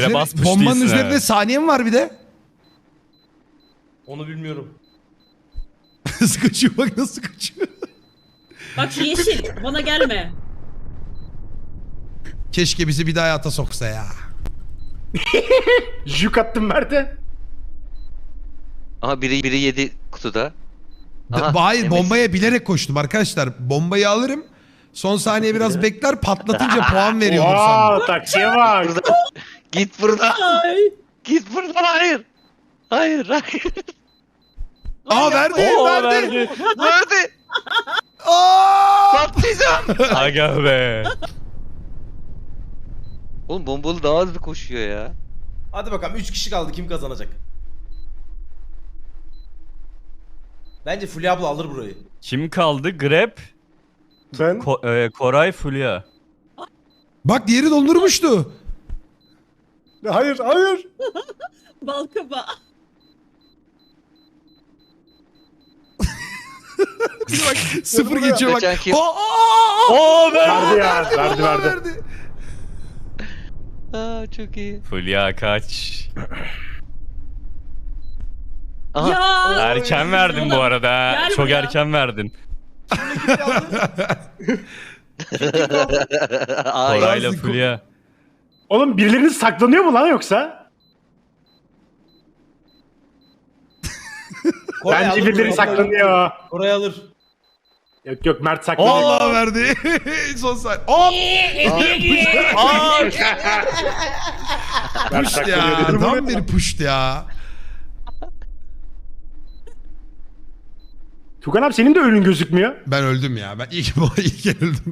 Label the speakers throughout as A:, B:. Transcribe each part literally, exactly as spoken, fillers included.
A: üzeri-
B: basmış
A: bombanın
B: değilsin
A: üzerinde
B: ha.
A: saniye mi var bir de?
C: Onu bilmiyorum.
A: Nasıl kaçıyor bak nasıl kaçıyor.
D: Bak şu yeşil. Bana gelme.
A: Keşke bizi bir daha hayata soksa ya.
E: Juk attım Mert'e.
F: Aha biri biri yedi kutuda. Aha,
A: B- Hayır
F: Demet.
A: bombaya bilerek koştum arkadaşlar. Bombayı alırım. Son saniye biraz bekler patlatınca puan veriyordur sandım.
E: Wow, taksiye bak.
F: Buradan. Git buradan.
D: Ay.
F: Git buradan hayır. Hayır hayır.
A: Aa verdi
B: Oo,
A: verdi.
B: verdi.
F: Nerede?
A: Aa!
F: Patlayacağım.
B: Aga be.
F: Oğlum bombalı daha hızlı koşuyor ya.
C: Hadi bakalım üç kişi kaldı, kim kazanacak? Bence Fulya abla alır burayı.
B: Kim kaldı? Grab,
E: Ben.
B: Ko- e, Koray, Fulya.
A: Bak diğeri dondurmuştu.
E: Hayır hayır.
D: Balkaba.
A: bak sıfır geçiyor bak.
F: Kaçan kim?
A: Aa, aa, aa!
B: Oo be.
E: Verdi ya. Verdi
A: Vallahi
E: verdi.
F: Aa çok iyi.
B: Fulya kaç.
F: Aha.
D: Ya.
B: Erken verdin bu arada. ha.
D: Gel
B: Çok
D: buraya.
B: erken verdin.
F: Ay.
B: Koray'la Fulya.
E: Oğlum birileriniz saklanıyor mu lan yoksa?
C: Koray
E: Bence
C: alır
E: birileri
C: burayı.
E: saklanıyor.
C: Koray alır.
E: Yok yok Mert saklanıyor.
A: Vallahi verdi. Son saniye. Hop!
B: Aa,
E: Mert
A: Puşt
E: saklanıyor
A: ya.
E: dedim
A: Tam
E: ama.
A: bir puşt ya.
E: Tukan abi senin de önün gözükmüyor.
A: Ben öldüm ya. Ben ilk, ilk öldüm.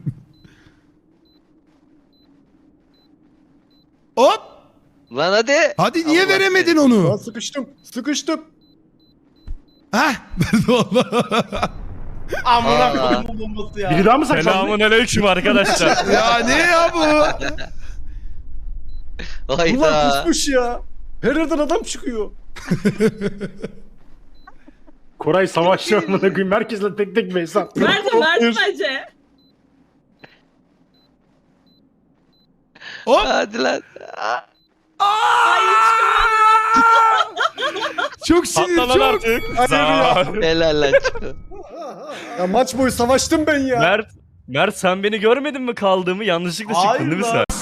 A: Hop!
F: Lan hadi.
A: Hadi niye
F: Allah
A: veremedin
E: Ben
A: onu?
E: sıkıştım. Sıkıştım.
A: Hah. Verdi valla.
C: Amına
F: Aa.
C: koyayım bu bombası ya.
E: Biri daha mı saklandı?
B: selamun aleyküm arkadaşlar.
A: ya ne ya bu?
F: Hayda.
E: ya. Her yerden adam çıkıyor. Koray savaşçı amına koyayım. Herkesle tek tek Veysel.
D: Verdi verdi bence.
A: Hop!
F: Hadi lan.
A: Çok sinir
B: Patla lan
A: çok.
B: artık.
E: Hayır ya.
B: Sağ ol.
F: Helal lan. Çıkı.
E: Ya maç boyu savaştım ben ya.
B: Mert, Mert sen beni görmedin mi kaldığımı? Yanlışlıkla
C: Hayır
B: çıktın değil mi
C: lan.
B: sen?